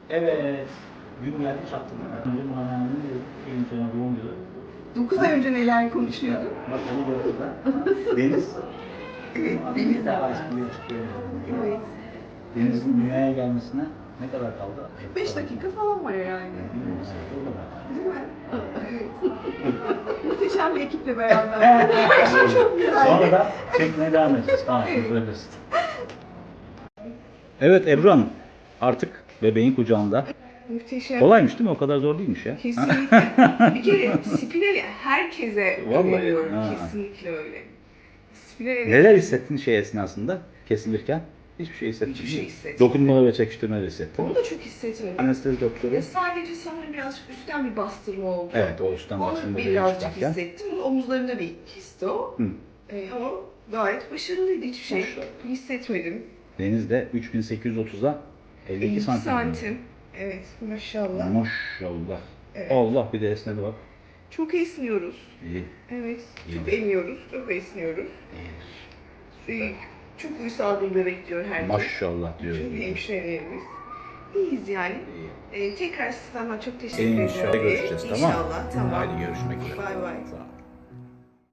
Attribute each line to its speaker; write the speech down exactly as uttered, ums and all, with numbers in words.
Speaker 1: Evet. Gün geldi çattı değil mi? Önce Muharrem'in bir sonra doğum yılı.
Speaker 2: dokuz ay önce neler konuşuyorduk?
Speaker 1: Bak onu gördüm ben. Deniz.
Speaker 2: Evet,
Speaker 1: Deniz
Speaker 2: Deniz
Speaker 1: de
Speaker 2: abi.
Speaker 1: çıkıyor çıkıyor.
Speaker 2: Evet.
Speaker 1: Deniz'in dünyaya gelmesine ne kadar kaldı?
Speaker 2: beş dakika falan var yani.
Speaker 1: Bilmiyorum. O kadar.
Speaker 2: Değil mi? Evet. Muhteşem bir ekiple beraber. Çok güzel.
Speaker 1: Sonra da çekmeye devam edeceğiz. Tamam, bırakırız. Evet Ebru Hanım, artık bebeğin kucağında.
Speaker 2: Muhteşem.
Speaker 1: Kolaymış değil mi? O kadar zor değilmiş ya.
Speaker 2: Kesinlikle. Bir kere spinali herkese
Speaker 1: Vallahi.
Speaker 2: öneriyorum.
Speaker 1: Ha.
Speaker 2: Kesinlikle öyle. Spinali
Speaker 1: Neler hissettin şey esnasında kesilirken? Hiçbir şey hissetmedin.
Speaker 2: Hiçbir şey
Speaker 1: değil mi?
Speaker 2: hissetmedim.
Speaker 1: Dokunmalar ve çekiştirmeler hissettin.
Speaker 2: Onu da çok hissetmedim.
Speaker 1: Anestezi doktoru.
Speaker 2: Ya sadece sanırım birazcık üstten bir bastırma oldu.
Speaker 1: Evet, o üstten
Speaker 2: Onu
Speaker 1: bastırma
Speaker 2: birazcık
Speaker 1: çıkarken.
Speaker 2: hissettim. Omuzlarında bir histi o.
Speaker 1: Hı.
Speaker 2: Ee, ama gayet başarılıydı. Hiçbir şey hissetmedim.
Speaker 1: Deniz de üç bin sekiz yüz otuza elli iki santim.
Speaker 2: santim. Evet, maşallah.
Speaker 1: Maşallah.
Speaker 2: Evet.
Speaker 1: Allah bir de esnedi bak.
Speaker 2: Çok esniyoruz.
Speaker 1: İyi.
Speaker 2: Evet,
Speaker 1: İyi.
Speaker 2: çok emiyoruz, çok esniyoruz.
Speaker 1: İyi.
Speaker 2: Ee, çok uysal bir bebek diyor herkes.
Speaker 1: Maşallah diyoruz.
Speaker 2: Çünkü hemşirelerimiz. İyiyiz yani.
Speaker 1: İyi.
Speaker 2: Ee, tekrar sana çok teşekkür ederim.
Speaker 1: İnşallah görüşeceğiz, tamam mı?
Speaker 2: İnşallah, tamam.
Speaker 1: Hadi görüşmek üzere.
Speaker 2: Bay bay.
Speaker 1: Sağ ol.